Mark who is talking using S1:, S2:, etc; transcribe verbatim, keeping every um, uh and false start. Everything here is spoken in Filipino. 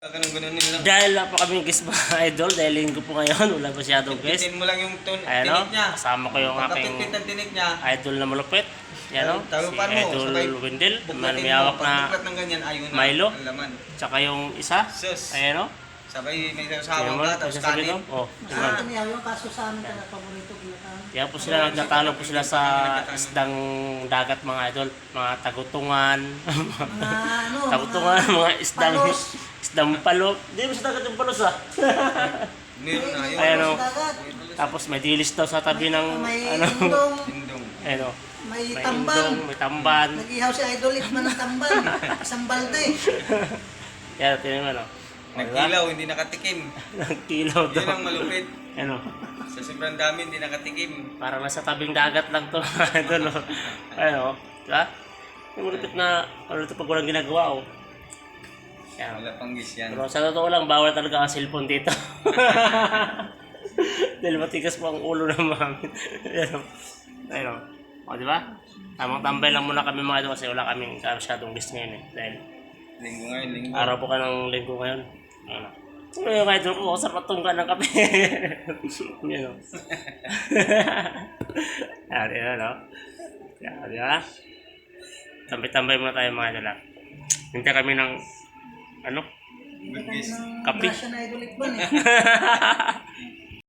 S1: Ganun-ganunin lang.
S2: Dahil na po kami guest mga idol, dahil linggo po ngayon, wala masyadong guest.
S1: Pitin mo lang yung ton,
S2: Ayan o,
S1: tinik niya.
S2: kasama ko yung aking
S1: Pagkapitpit ng tinik niya,
S2: idol na malupit. Yan o, si
S1: talupan mo,
S2: Idol
S1: sabay
S2: Wendell,
S1: buklatin mo.
S2: mayawak
S1: Pag
S2: na
S1: buklat ng ganyan, ayun na
S2: Milo.
S1: ang laman.
S2: Tsaka yung isa.
S1: Sus.
S2: Ayan o.
S1: Sabay may
S2: Yan
S1: sasawang
S2: mo,
S1: ka, tapos
S2: sasabi ko.
S1: kanin.
S2: Oh, tingnan.
S3: Ah, kaniyaw yung kaso sa amin talaga paborito kinakain.
S2: Kaya po sila nagtatalo po sila sa isdang dagat mga idol, mga tagutungan,
S3: Mga ano,
S2: tagutungan, mga isdang
S3: palos.
S2: isdang palo. Hindi mo sa dagat yung palos ah.
S1: Meron na yun.
S2: Ayan o.
S3: Sa dagat.
S2: Tapos may dilis daw sa tabi ng
S3: May
S2: ano.
S3: indong,
S1: Tindong.
S2: Ayan o.
S3: may
S2: May
S3: tamban.
S2: indong, may tamban.
S3: Nag-ihaw si Idol Itman ng tamban. Isang balde.
S2: Yan, tingnan mo no.
S1: Nagkilaw, hindi nakatikim.
S2: Nagkilaw
S1: Yun ang
S2: daw.
S1: malupit.
S2: Ano,
S1: Sa sobrang dami, hindi nakatikim.
S2: parang nasa tabing dagat lang to. Idol o. Ano, diba? Yung malupit na, ano ito pag walang ginagawa o. Yan.
S1: Wala pang gis yan.
S2: Pero sa totoo lang, bawal talaga ang cellphone dito. Dahil matigas po ang ulo ng mami. Ayan o. Ayan o. O, di ba? Tamang tambay lang muna kami mga ito kasi wala kaming masyadong guest ngayon eh. Dahil
S1: Linggo ngayon, linggo.
S2: araw po ka ng linggo ngayon. Ayan o. Ano yung kahit ko, sa patungga ng kape. Ayan o. Ayan, ayan o. Ayan, di ba? Tambay-tambay muna tayo mga ito lang. Hintay kami ng, ano?
S3: Hindi ka ng
S2: Kape.
S3: grasya na Idol Itman eh.